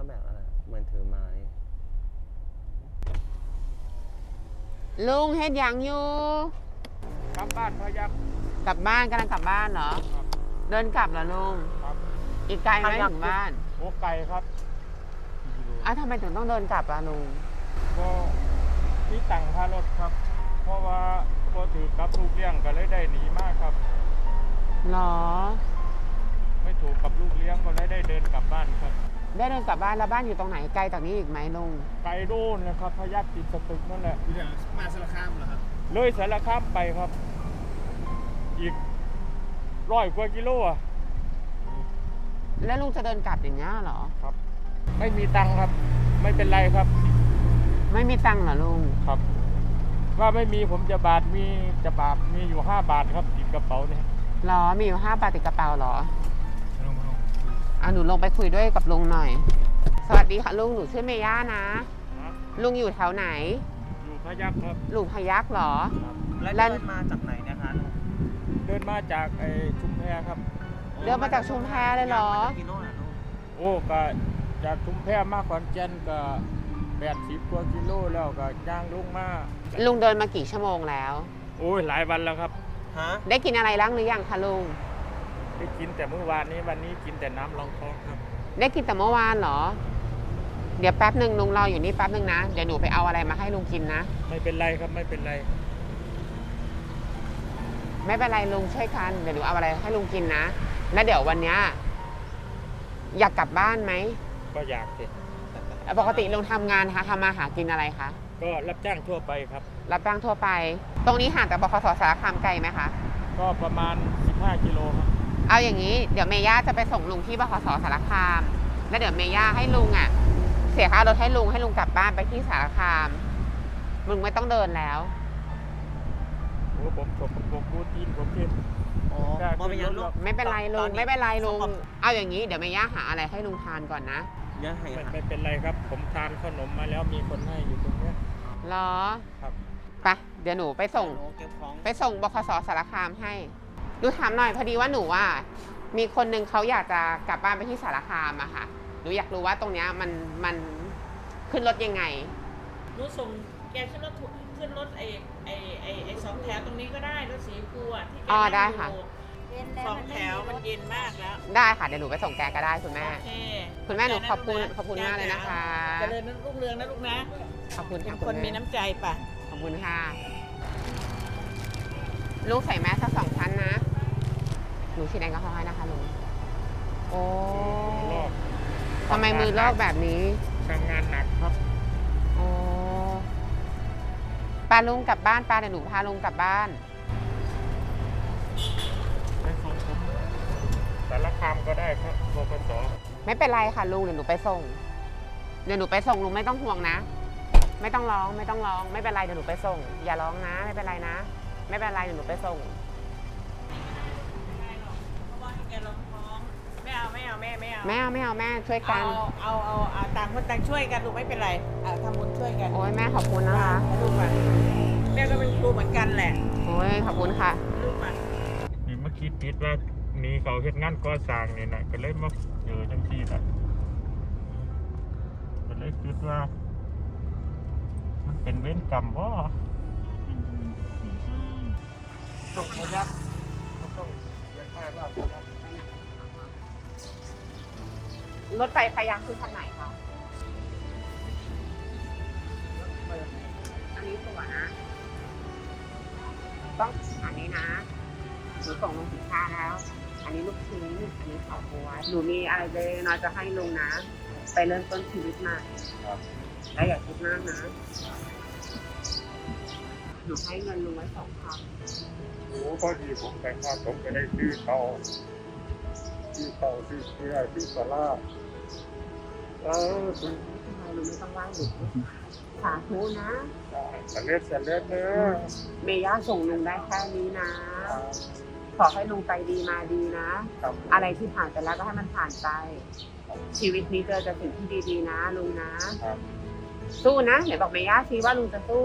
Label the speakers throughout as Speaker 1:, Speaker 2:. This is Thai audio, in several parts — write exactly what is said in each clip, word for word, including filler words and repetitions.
Speaker 1: แบกอะไรเหมือนถือไม้
Speaker 2: ลุงเฮ็ดยังอยู่
Speaker 3: กลับบ้านพยัก
Speaker 2: กลับบ้านกำลังกลับบ้านเหรอเดินกลับเหรอลุง
Speaker 3: ครับ
Speaker 2: อีกไกลไหมถึงบ้าน
Speaker 3: โอ้ไกลครับ
Speaker 2: อ้าวทำไมถึงต้องเดินกลับอะลุง
Speaker 3: ก็ที่ตั้งค่ารถครับเพราะว่าพอถือกับลูกเลี้ยงก็เลยได้หนีมากครับ
Speaker 2: หรอ
Speaker 3: ไม่ถูกกับลูกเลี้ยงก็เลยได้เดินกลับบ้านครับ
Speaker 2: ได้เดินกลับบ้านแล้วบ้านอยู่ตรงไหนไกลจากนี้อีกไหมลุง
Speaker 3: ไกลโน่นนะครับพยักติดสตึกนั่นแหละ
Speaker 1: มาสารคามเหรอครับ
Speaker 3: เลยสารคามไปครับอีกร้อยกว่ากิโลอ่ะ
Speaker 2: แล้วลุงจะเดินกลับอย่างเงี้ยเหรอ
Speaker 3: ครับไม่มีตังค์ครับไม่เป็นไรครับ
Speaker 2: ไม่มีตังค์เหรอลุง
Speaker 3: ครับว่าไม่มีผมจะบาทมีจะบาทมีอยู่ห้าบาทครับติดกระเป๋าเนี่ย
Speaker 2: หรอมีอยู่ห้าบาทติดกระเป๋าหรออ่ะหนูลงไปคุยด้วยกับลุงหน่อยสวัสดีค่ะลุงหนูชื่อเมย่านะลุงอยู่แถวไหน
Speaker 3: อยู่พยัคฆ์ครับ
Speaker 2: ลุงพยัคฆ์เหรอ
Speaker 1: แล้วเดินมาจากไหนนะคะ
Speaker 3: เดินมาจากไอ้ชุมแพครับ
Speaker 2: เดินมาจากชุมแพเลยเหรอ
Speaker 3: โอ้ก็จากชุมแพมากกว่าเจนก็แปดสิบกว่ากิโลแล้วก็ย่างลงมา
Speaker 2: ลุงเดินมากี่ชั่วโมงแล้ว
Speaker 3: โอ้ยหลายวันแล้วครับ
Speaker 2: ฮะได้กินอะไรล้างหรือยังคะลุง
Speaker 3: ได้กินแต่เมื่อวานนี้วันนี้กินแต่น้ำรองท้องครับ
Speaker 2: ได้กินแต่เมื่อวานเหรอเดี๋ยวแป๊บหนึ่งลุงรออยู่นี่แป๊บหนึ่งนะเดี๋ยวหนูไปเอาอะไรมาให้ลุงกินนะ
Speaker 3: ไม่เป็นไรครับไม่เป็นไร
Speaker 2: ไม่เป็นไรลุงช่วยกันเดี๋ยวหนูเอาอะไรให้ลุงกินนะแล้วเดี๋ยววันนี้อยากกลับบ้านไหม
Speaker 3: ก็อยากสิ
Speaker 2: ปกติลุงทำงานคะทำมาหากินอะไรคะ
Speaker 3: ก็รับจ้างทั่วไปครับ
Speaker 2: รับจ้างทั่วไปตรงนี้ห่างจากบขส.สารคามไกลไหมคะ
Speaker 3: ก็ประมาณสิบห้ากิโลครับ
Speaker 2: เอาอย่างนี้เดี๋ยวเมย่าจะไปส่งลุงที่บขส.สารคามแล้วเดี๋ยวเมย่าให้ลุงอ่ะเสียค่ารถให้ลุงให้ลุงกลับบ้านไปที่สารคามลุงไม่ต้องเดินแล้ว
Speaker 3: โอ้ผมผมผมพูดจีนผมเก่ง
Speaker 2: ไม่เป็นไรลุงไม่เป็นไรลุงเอาอย่างนี้เดี๋ยวเมย่าหาอะไรให้ลุงทานก่อนนะ
Speaker 3: ไม่เป็นไรครับผมทานขนมมาแล้วมีคนให้อยู่ตรงนี้
Speaker 2: หรอ
Speaker 3: ครับ
Speaker 2: ไปเดี๋ยวหนูไปส่งไปส่งบขส.สารคามให้ดูถามหน่อยพอดีว่าหนูว่ามีคนนึงเขาอยากจะกลับบ้านไปที่สารคามอะค่ะหนูอยากรู้ว่าตรงเนี้ยมันมันขึ้นรถยังไง
Speaker 4: หนูส่งแกขึ้นรถขึ้นรถไอ้ไอ้ไอ้ไอ้สองแถวตรงนี้ก็ได้รถสีฟูอ่ะที่แก
Speaker 2: อ๋อได้ค่ะ
Speaker 4: สองแถวมันเย็นมากแล้ว
Speaker 2: ได้ค่ะเดี๋ยวหนูไปส่งแกก็ได้คุณแม่
Speaker 4: โอเค
Speaker 2: คุณแม่หนูขอบคุณขอบคุณมากเลยนะคะ
Speaker 4: เจริญรุ่งเรืองนะลูกนะ
Speaker 2: ขอบคุณ
Speaker 4: เป็นคนมีน้ำใจป่ะ
Speaker 2: ขอบคุณค่ะลูกใส่แมสสักสองชั้นนะหนูฉีดแอลกอฮอล์ให้นะคะลุงโอ้ทำไมมือลอกแบบนี้
Speaker 3: ทำงานหนักครับ
Speaker 2: โอ้ปาลุงกลับบ้านปาเดี๋ยวหนูพาลุงกลับบ้าน
Speaker 3: ไปส่งผมสารคามก็ได้ครับบขส.
Speaker 2: ไม่เป็นไรค่ะลุงเดี๋ยวหนูไปส่งเดี๋ยวหนูไปส่งลุงไม่ต้องห่วงนะไม่ต้องร้องไม่ต้องร้องไม่เป็นไรเดี๋ยวหนูไปส่งอย่าร้องนะไม่เป็นไรนะไม่เป็นไรเดี๋ยวหนูไปส่ง
Speaker 4: ไม่เอาไม่เอาแม่ไม่เอา
Speaker 2: ไม่เอาไม่เอาแม่ช่วยกัน
Speaker 4: เอาเอาเอาต่างคนต่างช่วยกันลูกไม่เป็นไรทำบุญช่วยกัน
Speaker 2: โอ้ยแม่ขอบคุณนะคะ
Speaker 4: ลูกมาแม่ก็เป็นครูเหมือนกันแหละ
Speaker 2: โอ้ยขอบคุณค่ะ
Speaker 4: ลูกมา
Speaker 3: นี่เมื่อกี้ติดว่ามีเขาเฮ็ดงานก่อสร้างนี่นะก็เลยมาเจอจังซี่ละก็เลยคิดว่ามันเป็นเวรกรรมบ่ส่งพยัคฆ์ต้องเรียนค่าว่
Speaker 2: ารถไฟพยัคฆ์คือคันไหนคะอันนี้ตัวนะต้องอันนี้นะหนูส่งลงสินค้าแล้วอันนี้ลูกชิ้นอันนี้ข้าวโพดหนูมีอะไรเล็กน้อยจะให้ลุงนะไปเริ่มต้นชีวิตใหม่และอย่าคิดมากนะหนูให้เงินลุงไว้สองพัน
Speaker 3: โอ้พอดีผมแต่งงานผมก็ได้ซื้อเตาซื้อเตาซื้อเกลือซื้อปลาเออ
Speaker 2: คุณทำไมลุงไม่ต้องไหว้หนูสาธุนะ
Speaker 3: สำเร็จสำเร็จเนอะ
Speaker 2: เมย่าส่งลุงได้แค่นี้นะขอให้ลุงไปดีมาดีนะอะไรที่ผ่านไปแล้วก็ให้มันผ่านไปชีวิตนี้เจอแต่สิ่งที่ดีๆนะลุงนะสู้นะเดี๋ยวบอกเมย่าชี้ว่าลุงจะสู้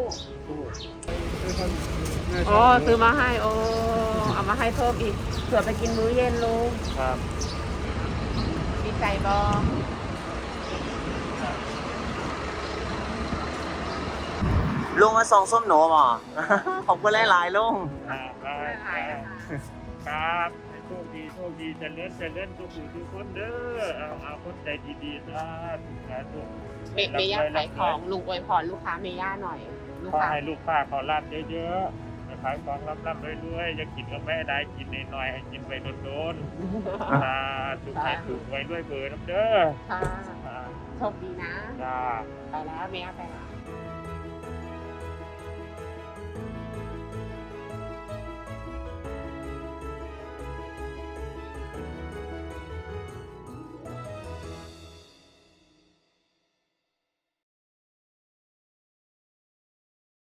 Speaker 2: โอ้ซื้อมาให้โอ้เอามาให้เพิ่มอีกเผื่อไปกินมื้อเย็นลุง
Speaker 3: ครับ
Speaker 2: ดีใจบอ
Speaker 1: ลุงมาส่งส้มหนูบ่ ขอบคุณหลายๆลุง
Speaker 3: ครับครับครับให้โชคดีโชคดีเจะเลื่อนจะเลื่อนทุกผู้ทุกคนเด้อเอาเอาคนใจดีๆนะสาธุ
Speaker 2: เมเมย่าขายของลุงอวยพรลูกค้าเมย่าหน่อย ลูก
Speaker 3: ขอ
Speaker 2: ค้า
Speaker 3: ให้ลูกค้าขอรับเยอะๆขายของรับๆรวยๆอย่ากินก็ไม่ได้กินน้อยๆให้กินไปโดนๆสาธุให้ถูกไว้ด้วยเบอร์น้ำเด้อ
Speaker 2: ค่ะ
Speaker 3: อ่า
Speaker 2: โชคดีนะ
Speaker 3: จ้า
Speaker 2: ไปแล้วเมย่าไปแล้ว